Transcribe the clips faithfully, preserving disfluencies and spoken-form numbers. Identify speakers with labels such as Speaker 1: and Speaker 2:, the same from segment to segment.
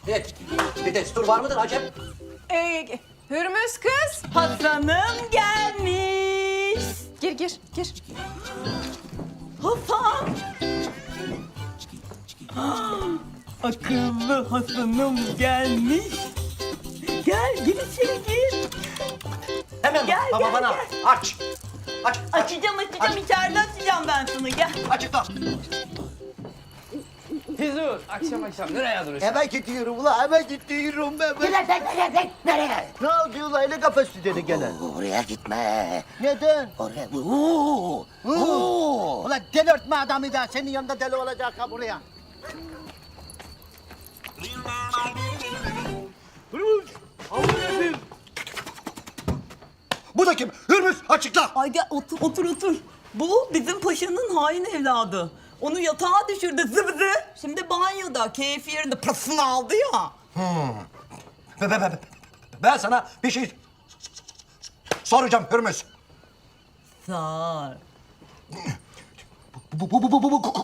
Speaker 1: Evet, bir destur var mıdır Acem?
Speaker 2: Ee, Hürmüz kız.
Speaker 3: Hasan'ım gelmiş.
Speaker 2: Gir gir gir.
Speaker 3: Hasan. Ah, akıllı Hasan'ım gelmiş. Gel, gir içeri gir.
Speaker 1: Hemen
Speaker 3: Gel,
Speaker 1: baba
Speaker 3: gel,
Speaker 1: bana
Speaker 3: gel.
Speaker 1: aç. Aç, aç.
Speaker 3: Açacağım, açacağım. İçeride açacağım ben sana. Gel.
Speaker 1: Açıkla.
Speaker 4: Fizur, akşam akşam nereye duruyorsun?
Speaker 5: Hemen gidiyorum ulan, hemen gidiyorum ben.
Speaker 6: Nereye, nereye, nereye?
Speaker 5: Ne oldu ulan, öyle kafası dedi gene.
Speaker 6: Oraya gitme.
Speaker 5: Neden?
Speaker 6: Oraya... Oo, oo.
Speaker 5: Ulan delirtme adamı da, senin yanında deli olacak ha buraya.
Speaker 1: Bu da kim? Hürmüz açıkla.
Speaker 3: Ay gel otur, otur, otur. Bu bizim paşanın hain evladı. Onu yatağa düşürdü zıbzı. Şimdi banyoda, keyfi yerinde pırasını aldı ya.
Speaker 1: Ben, ben, ben, ben sana bir şey soracağım Hürmüz.
Speaker 3: Sar.
Speaker 1: Bu, bu, bu, bu, bu, bu,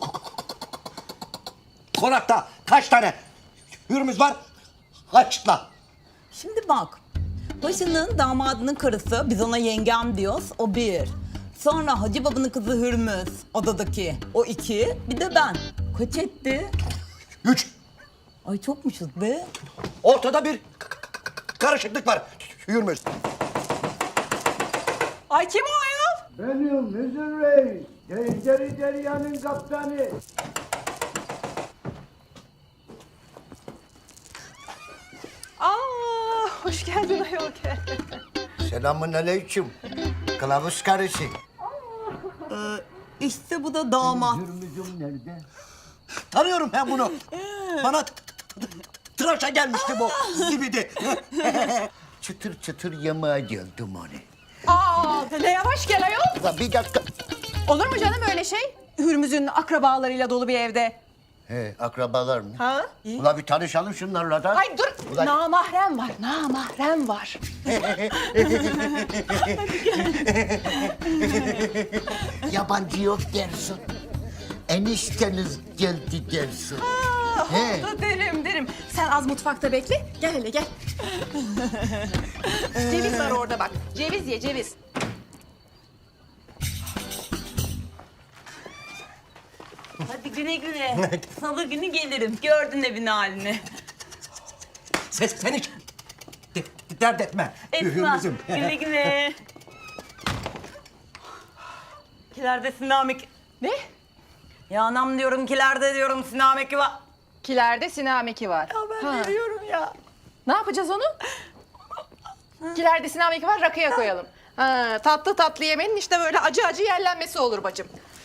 Speaker 1: konakta kaç tane Hürmüz var? Açıkla.
Speaker 3: Şimdi bak. Paşanın damadının karısı, biz ona yengem diyoruz, o bir. Sonra Hacı Baba'nın kızı Hürmüz, odadaki. O iki, bir de ben. Kaç etti?
Speaker 1: Üç.
Speaker 3: Ay çokmuşuz be.
Speaker 1: Ortada bir k- k- k- karışıklık var Hürmüz.
Speaker 3: Ay kim o ayol?
Speaker 5: Benim Hüzün Reis, Tencere Derya'nın kaptanı.
Speaker 2: Aa, hoş geldin ayol gel.
Speaker 5: Selamun aleyküm. Kılavuz karısı.
Speaker 3: İşte bu da damat.
Speaker 5: Hürmüz'üm nerede?
Speaker 1: Tanıyorum ben bunu. Bana t- t- t- tıraşa gelmişti bu zibidi.
Speaker 5: Çıtır çıtır yemeğe geldim hani.
Speaker 2: Aa, ne yavaş gel ayol.
Speaker 5: Ulan bir dakika.
Speaker 2: Olur mu canım öyle şey? Hürmüz'ün akrabalarıyla dolu bir evde.
Speaker 5: He, akrabalar mı?
Speaker 2: Ha?
Speaker 5: Ulan bir tanışalım şunlarla da.
Speaker 2: Ay dur.
Speaker 5: Ulan-
Speaker 2: Namahrem var, namahrem var.
Speaker 5: Yabancı yok dersin. Enişteniz geldi dersin. He.
Speaker 2: Da derim derim. Sen az mutfakta bekle. Gel hele gel. Ceviz var orada bak. Ceviz ye ceviz.
Speaker 3: Hadi güle güle. Salı günü gelirim. Gördün evin halini.
Speaker 1: Sen, sen hiç de- dert etme
Speaker 3: Esma,
Speaker 1: Hürmüz'üm.
Speaker 3: güle güle. Kilerde sinamik.
Speaker 2: Ne?
Speaker 3: Ya anam diyorum, kilerde diyorum sinameki var.
Speaker 2: Kilerde sinameki var.
Speaker 3: Ya ben
Speaker 2: Ha.
Speaker 3: veriyorum ya.
Speaker 2: Ne yapacağız onu? Kilerde sinameki var, rakıya koyalım. Ha, tatlı tatlı yemenin işte böyle acı acı yerlenmesi olur bacım.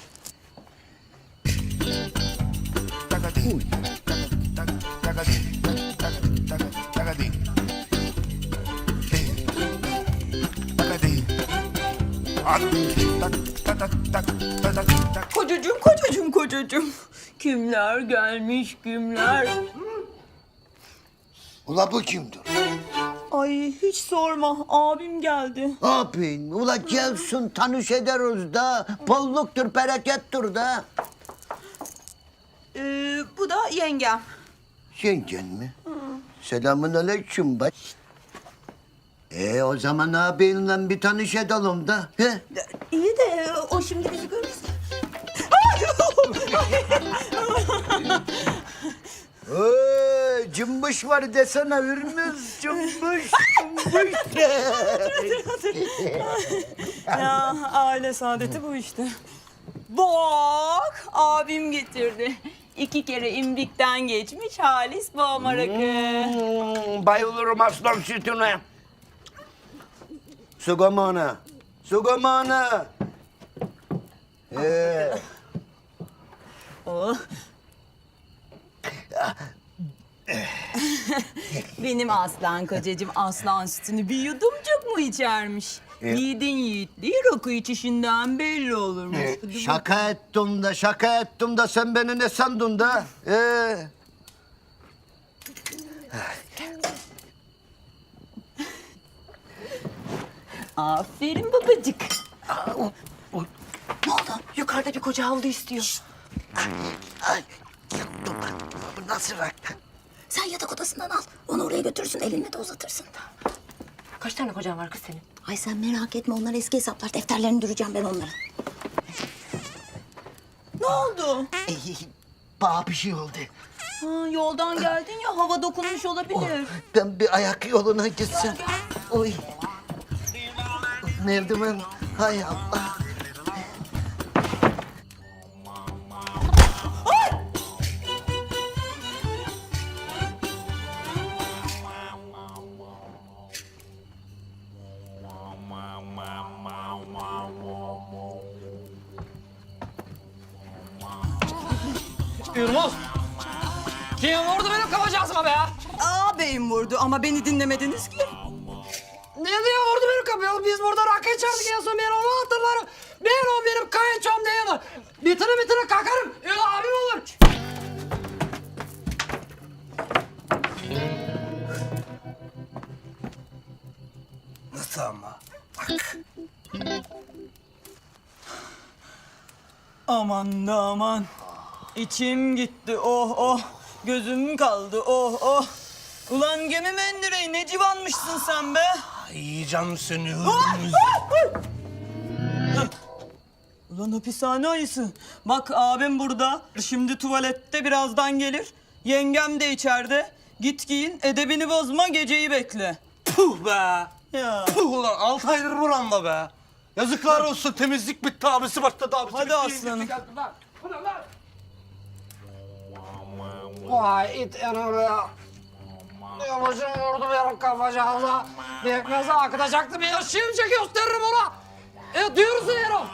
Speaker 3: Kocacığım, kocacığım, kocacığım. Kimler gelmiş, kimler?
Speaker 5: Ula bu kimdir?
Speaker 3: Ay hiç sorma, abim geldi.
Speaker 5: Abin, ula gelsin tanış ederiz da. Bolluktur, berekettir da.
Speaker 3: Ee, bu da yengem.
Speaker 5: Yengen mi? Selamun aleyküm bak. E o zaman abinle bir tanış edelim da. He?
Speaker 3: İyi de o şimdi bizi görürse.
Speaker 5: Ee, cımbış var desene Hürmüz. Cımbış, cımbış.
Speaker 3: Ya aile saadeti bu işte. Bak abim getirdi. İki kere imbikten geçmiş halis boğma rakı.
Speaker 5: Hmm, bayılırım aslan sütüne. Sugamana. Sugamana. Ee,
Speaker 3: Oh. Benim aslan kocacığım aslan sütünü bir yudumcuk mu içermiş? Yiğidin yiğitliği rakı içişinden belli olurmuş.
Speaker 5: e,
Speaker 3: Hadi
Speaker 5: şaka ettim de şaka ettim de sen beni ne sandın da? Ee,
Speaker 3: Aferin babacık.
Speaker 6: Ne oldu? Yukarıda bir koca havlu istiyor.
Speaker 5: ay, dur bak, bu nasıl rakı?
Speaker 6: Sen yatak odasından al. Onu oraya götürürsün, elinle de uzatırsın.
Speaker 7: Kaç tane kocan var kız senin?
Speaker 6: Ay sen merak etme, onlar eski hesaplar. Defterlerini düreceğim ben onların.
Speaker 3: Ne oldu?
Speaker 5: Bana bir şey oldu.
Speaker 3: Ha, yoldan geldin ya, hava dokunmuş olabilir.
Speaker 5: Ben bir ayak yoluna gitsem. Oy. Merdiven. Hay Allah.
Speaker 4: Yılmaz. Kim vurdu benim kapacağızıma be ya?
Speaker 3: Ağabeyim vurdu ama beni dinlemediniz ki.
Speaker 4: Ne diyor vurdu benim kapıya? Biz burada rakı içerdik en son ben onu hatırlarım. Ben o benim kayınçom değil mi? Bitire bitire kalkarım. Öyle abim olur.
Speaker 1: Nasıl ama? Bak.
Speaker 3: Aman da aman. İçim gitti oh oh. Gözüm kaldı oh oh. Ulan gemi mendireği ne civanmışsın sen be.
Speaker 1: Yiyeceğim seni.
Speaker 3: Ulan hapishane ayısı. Bak abim burada. Şimdi tuvalette birazdan gelir. Yengem de içeride. Git giyin edebini bozma geceyi bekle.
Speaker 1: Puh be.
Speaker 3: Ya.
Speaker 1: Puh ulan altı aydır buramda be. Yazıklar olsun temizlik bitti abisi başladı abisi
Speaker 3: Hadi
Speaker 1: bitti.
Speaker 3: aslanım.
Speaker 4: Vay it yanımda ya. Yavaşım vurdu benim kapacağıma. Bekmeze akıtacaktı bir şimdi gösteririm ona. E diyorsun Erol.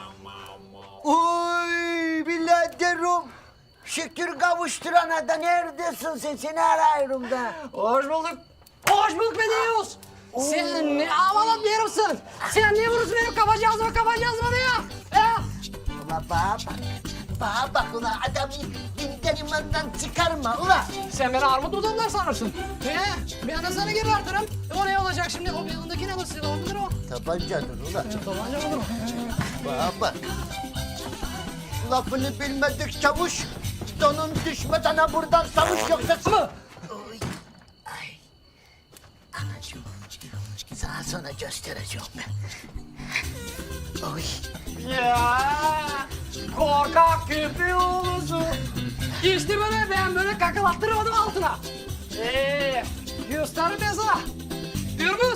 Speaker 5: Oy biraderim. Şükür kavuşturana da neredesin sen? Seni arıyorum da.
Speaker 4: Hoş bulduk. Hoş bulduk be Deus. Sen ne havalı bir herifsin. Sen niye vurursun benim kapacağızıma kapacağızıma ya? E?
Speaker 5: Ula bana bak. Bana bak ula adamı dinden imandan çıkarma ula.
Speaker 4: Sen beni armut budamlar sanırsın. He? Ben de sana geri artırım. O ne olacak şimdi? O yanındaki ne olsun? O mudur o?
Speaker 5: Tabancadır ula.
Speaker 4: Tabanca olur mu?
Speaker 5: Bana bak. Lafını bilmedik çavuş. Donun düşmeden ha buradan savuş yoksa...
Speaker 4: Mı?
Speaker 5: Oy. Ay. Anacığım. Sana sonra göstereceğim ben. Oy.
Speaker 4: Ya korkak köpeği oğlusu. İşte böyle ben böyle kakalattırmadım altına. Ee, gösteririm ben sana. Gürbüz.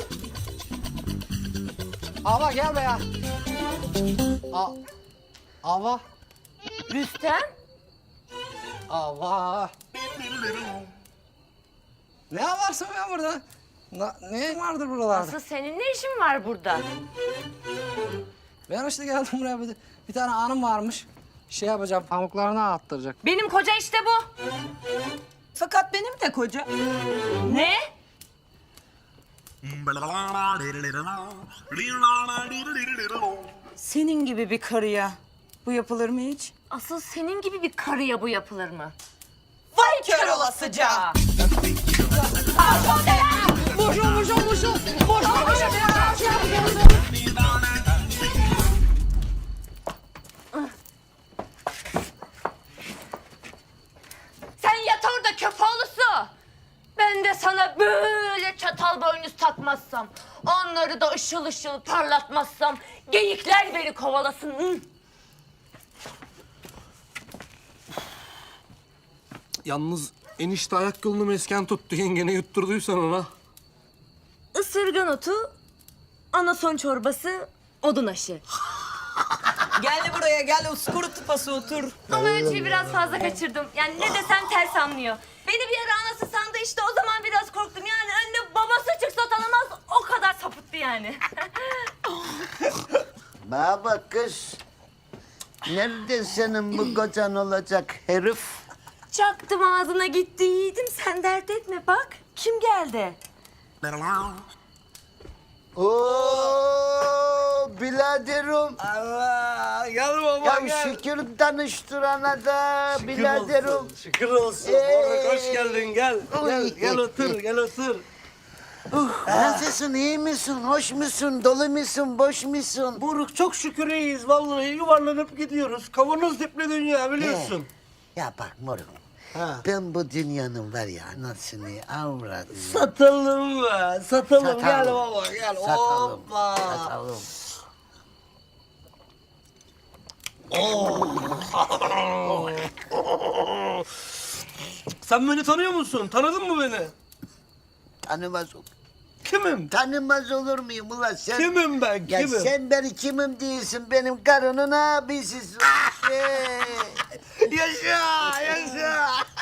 Speaker 4: Ava gel be ya. A Ava.
Speaker 7: Rüstem?
Speaker 4: Ava. Ne varsın ya burada? Na, ne vardır buralarda?
Speaker 7: Asıl senin ne işin var burada?
Speaker 4: Ben işte geldim buraya bir, bir tane hanım varmış. Şey yapacağım, pamuklarını attıracak.
Speaker 7: Benim koca işte bu.
Speaker 3: Fakat benim de koca.
Speaker 7: Ne?
Speaker 3: Senin gibi bir karıya bu yapılır mı hiç?
Speaker 7: Asıl senin gibi bir karıya bu yapılır mı?
Speaker 3: Vay kör olasıca.
Speaker 4: Boşun, boşun, boşun. Boşun, boşun.
Speaker 7: Sen yat orada köpoğlusu. Ben de sana böyle çatal boynuz takmazsam, onları da ışıl ışıl parlatmazsam, geyikler beni kovalasın. Hı.
Speaker 1: Yalnız enişte ayak yolunu mesken tuttu yengene yutturduysan ona.
Speaker 7: Isırgan otu, anason çorbası, odun aşı.
Speaker 3: Gel buraya gel uskuru tıpası otur.
Speaker 7: Ama ölçüyü biraz fazla kaçırdım. Yani ne desem ters anlıyor. Beni bir ara anası sandı işte o zaman biraz korktum. Yani anne babası çıksa tanımaz o kadar sapıttı yani.
Speaker 5: Bana bak kız. Nerede senin bu kocan olacak herif?
Speaker 7: Çaktım ağzına gitti yiğidim sen dert etme bak. Kim geldi?
Speaker 5: Oo biraderim.
Speaker 1: Allah gel baba
Speaker 5: Ya
Speaker 1: gel.
Speaker 5: şükür tanıştırana da biraderim.
Speaker 1: Olsun, şükür olsun.
Speaker 5: Ee,
Speaker 1: Moruk hoş geldin gel. Gel,
Speaker 5: Oy.
Speaker 1: gel otur gel otur.
Speaker 5: Nasılsın, iyi misin, hoş musun, dolu musun, boş musun?
Speaker 1: Moruk çok şükür iyiyiz vallahi yuvarlanıp gidiyoruz. Kavanoz dipli dünya biliyorsun.
Speaker 5: Ya bak moruk,
Speaker 1: Ha.
Speaker 5: Ben bu dünyanın var ya anasını avradım.
Speaker 1: Satalım be. Satalım.
Speaker 5: Satalım.
Speaker 1: Gel baba gel.
Speaker 5: Satalım.
Speaker 1: Hoppa.
Speaker 5: Satalım.
Speaker 1: Sen beni tanıyor musun? Tanıdın mı beni?
Speaker 5: Tanımaz olur.
Speaker 1: Kimim?
Speaker 5: Tanımaz olur muyum ulan sen?
Speaker 1: Kimim ben?
Speaker 5: Ya
Speaker 1: Kimim?
Speaker 5: sen beni kimim değilsin, benim karının abisisin. Şey.
Speaker 1: Yaşa, yaşa.